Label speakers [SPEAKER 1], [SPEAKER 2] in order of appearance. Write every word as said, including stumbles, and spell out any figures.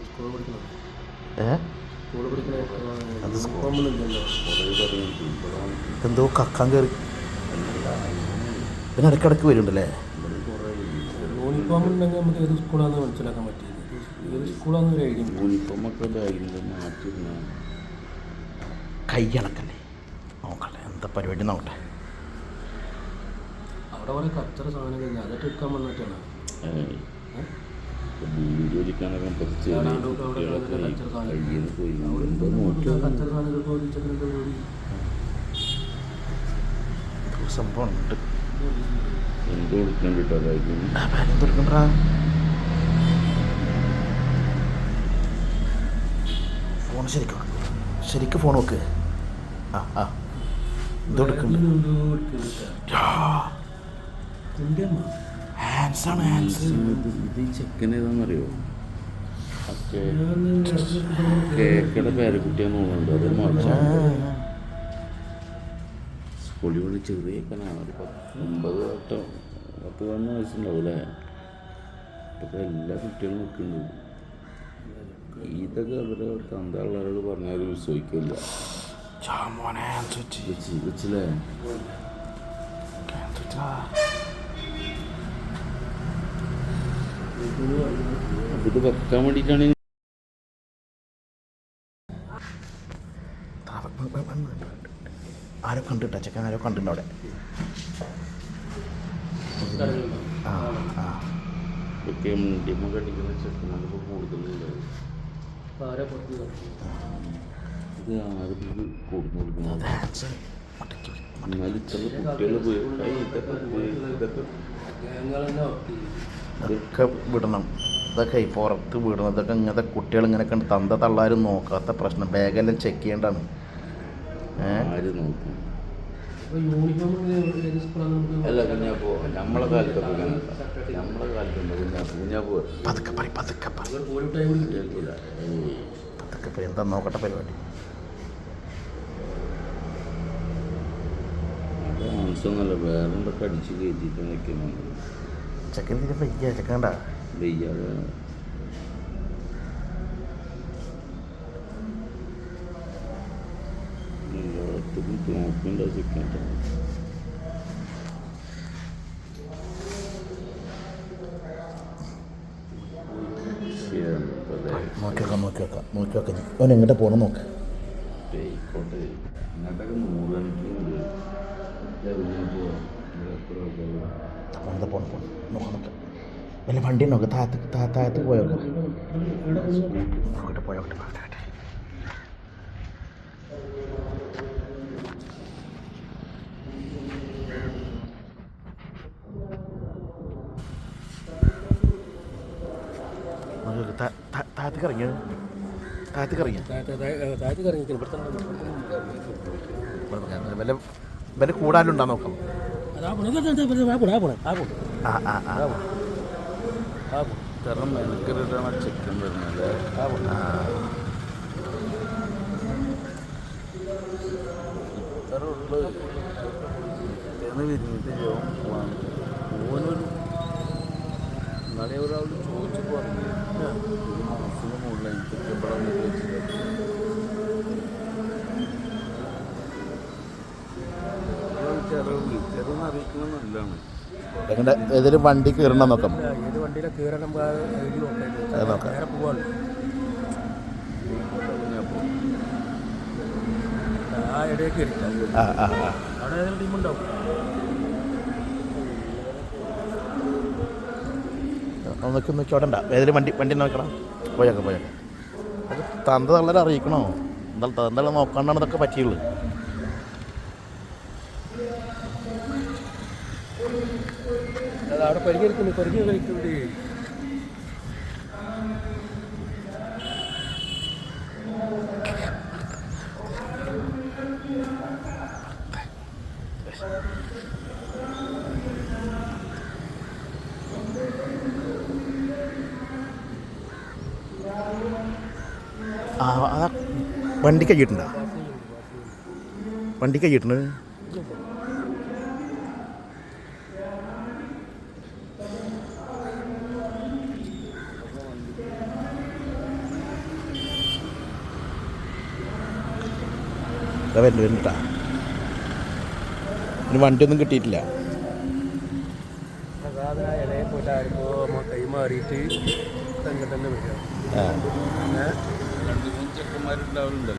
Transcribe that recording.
[SPEAKER 1] ഏ എന്തോ കക്കാൻ കയറി പിന്നെ ഇടയ്ക്കിടയ്ക്ക് വരുന്നുണ്ടല്ലേ.
[SPEAKER 2] യൂണിഫോം ഉണ്ടെങ്കിൽ നമുക്ക് ഏത് സ്കൂളാണെന്ന് മനസ്സിലാക്കാൻ പറ്റിയത്. ഏത് സ്കൂളാണെന്ന് ഒരു ഐഡിയ.
[SPEAKER 3] യൂണിഫോമൊക്കെ മാറ്റി
[SPEAKER 1] കൈയണക്കല്ലേ നോക്കട്ടെ എന്താ പരിപാടി നോക്കട്ടെ.
[SPEAKER 2] അവിടെ കുറെ കച്ചറ സാധനം കഴിഞ്ഞാൽ അതൊക്കെ എടുക്കാൻ വന്നിട്ടാണ്.
[SPEAKER 1] സംഭവം ഉണ്ട്.
[SPEAKER 3] എന്തോ കൊടുക്കാൻ കിട്ടാതായിരിക്കും.
[SPEAKER 1] ഫോൺ ശരിക്കും ശരിക്കും ഫോൺ നോക്ക്. ആ ആ എന്തോ ഹാൻസാണ് ഹാൻസ്.
[SPEAKER 3] ഇത് ചെക്കൻ ഏതാണെന്നറിയോ? കേക്കയുടെ പേരക്കുട്ടിയാന്ന് തോന്നുന്നുണ്ട്. അത് മാറ്റാൻ സ്കൂളിൽ വിളി ചെറിയ ചെക്കനാണ്. ഒരു പത്തൊമ്പത് തൊട്ടോ പത്ത് പതിനൊന്ന് വയസ്സുണ്ടാവും അല്ലേ. ഇപ്പോഴത്തെ എല്ലാ കുട്ടികളും നിൽക്കുന്നുണ്ട്. ഇതൊക്കെ അവരെ തന്തള്ളവരോട് പറഞ്ഞാൽ ഒരു വിശ്വസിക്കില്ല. വെച്ചില്ലേ ഇത് വെക്കാൻ വേണ്ടിയിട്ടാണ്.
[SPEAKER 1] ആരോ കണ്ടിട്ടാ ചെക്കൻ ആരോ കണ്ടിട്ടുണ്ട് അവിടെ. ആ ആ
[SPEAKER 3] ഇതൊക്കെ മുണ്ടിയമ്മ കടിക്കുന്ന ചെക്കന്മാർക്ക് കൂടുതലുണ്ട്. ഇത് ആരും കൊടുത്തു കൊടുക്കുന്നത്. എന്നാലും ഇത്ര കുട്ടികൾ പോയി ഇതൊക്കെ
[SPEAKER 1] ഇതൊക്കെ വിടണം. ഇതൊക്കെ ഈ പുറത്ത് വിടണം. ഇതൊക്കെ ഇങ്ങനത്തെ കുട്ടികൾ ഇങ്ങനെ കണ്ട് തന്ത തള്ളാരും നോക്കാത്ത പ്രശ്നം. ബാഗെല്ലാം ചെക്ക് ചെയ്യേണ്ടതാണ്.
[SPEAKER 3] ആര് നോക്കും?
[SPEAKER 2] അല്ല
[SPEAKER 3] കുഞ്ഞാപ്പോ നമ്മളെ കാലത്തൊക്കെ നമ്മളെ കാലത്തുണ്ട് കുഞ്ഞാപ്പോ കുഞ്ഞാപ്പോ
[SPEAKER 1] പതുക്കെ പറ പതുക്കെ പതുക്കെ പറ എന്താ നോക്കട്ടെ പരിപാടി.
[SPEAKER 3] മാംസമൊന്നുമല്ല വേറെ എന്തൊക്കെ അടിച്ച് കയറ്റിയിട്ട് നിൽക്കുന്നുണ്ട്.
[SPEAKER 1] ചെക്കൻ തീരെ വയ്യ. ചെക്കണ്ട
[SPEAKER 3] വയ്യാതെ എല്ലായിടത്തും നോക്കണ്ട ചിക്കൻ.
[SPEAKER 1] നോക്കി വെക്കാം നോക്കി വെക്കാം നോക്കി വെക്കാം. അവൻ എങ്ങോട്ട് പോകണം നോക്ക്.
[SPEAKER 3] ആയിക്കോട്ടെ ഇങ്ങോട്ടൊക്കെ നൂറ് കണക്കിനുണ്ട്.
[SPEAKER 1] എന്താ പോണം പോണം നോക്കാം നോക്കാം. വല്ല വണ്ടി നോക്കാം. താഴത്ത് താഴത്ത് പോയോക്കാം. നോക്കട്ടെ പോയോട്ടെ പോട്ടെ. താഴത്തേക്ക് ഇറങ്ങിയ താഴത്തേക്ക് ഇറങ്ങിയ
[SPEAKER 2] താഴത്തേക്ക് ഇറങ്ങി
[SPEAKER 1] വല്ല വല്ല കൂടാലുണ്ടാ നോക്കാം. ആ ആ ആ
[SPEAKER 3] കാരണം മെനക്കെട്ടാണ് ചിക്കൻ വരുന്നത്. ഇത്ര ഉള്ളത് വിരിഞ്ഞിട്ട് പോവാണ്. ഓനൊരു നാളെ ഒരാൾ ചോദിച്ചു പറഞ്ഞു ഒരു മാസത്തിന് മുകളിൽ എനിക്ക് എവിടെ വെച്ചിട്ട് ചെറുത് ചെറുതെന്ന് അറിയിക്കുന്നത് നല്ലതാണ്.
[SPEAKER 1] എങ്ങനെ ഏതെങ്കിലും വണ്ടി കയറണം നോക്കാം.
[SPEAKER 2] ഏത് വണ്ടിയിലെ കയറണം
[SPEAKER 1] നോക്കാം.
[SPEAKER 2] നേരെ പോവാണ്. ആ ഇടയിൽ കയറിയിട്ടാണ്
[SPEAKER 1] ആ ആ ആ
[SPEAKER 2] അവിടെ ഏതെങ്കിലും ടീമുണ്ടാവും.
[SPEAKER 1] നോക്കി നോക്കി അവിടെ ഉണ്ടാ ഏതെങ്കിലും വണ്ടി വണ്ടി നോക്കണം. പോയേക്കാം പോയേക്കാം. അത് തന്ത തള്ളരെ അറിയിക്കണോ? എന്താ തന്തളെ നോക്കാണ്ടാണ് ഇതൊക്കെ പറ്റിയുള്ളൂ.
[SPEAKER 2] അവിടെ പരിഹരിക്കുന്നു പരിഹരി കഴിക്കുന്നത്.
[SPEAKER 1] ആ അതാ വണ്ടി കഴിയിട്ടുണ്ടോ? വണ്ടി കഴിയിട്ടുണ്ട്. അതാ വരുന്നുണ്ട് വരുന്നുണ്ടാ. ഇനി വണ്ടിയൊന്നും കിട്ടിയിട്ടില്ല.
[SPEAKER 2] സാധനം ഇടയിൽ പോയിട്ട് ആർക്കോ കൈ മാറിയിട്ട് തന്നെ തന്നെ വരിക.
[SPEAKER 1] ആ
[SPEAKER 3] രണ്ട് മൂന്ന് ചെക്കന്മാരുണ്ടാവുന്നുണ്ട്.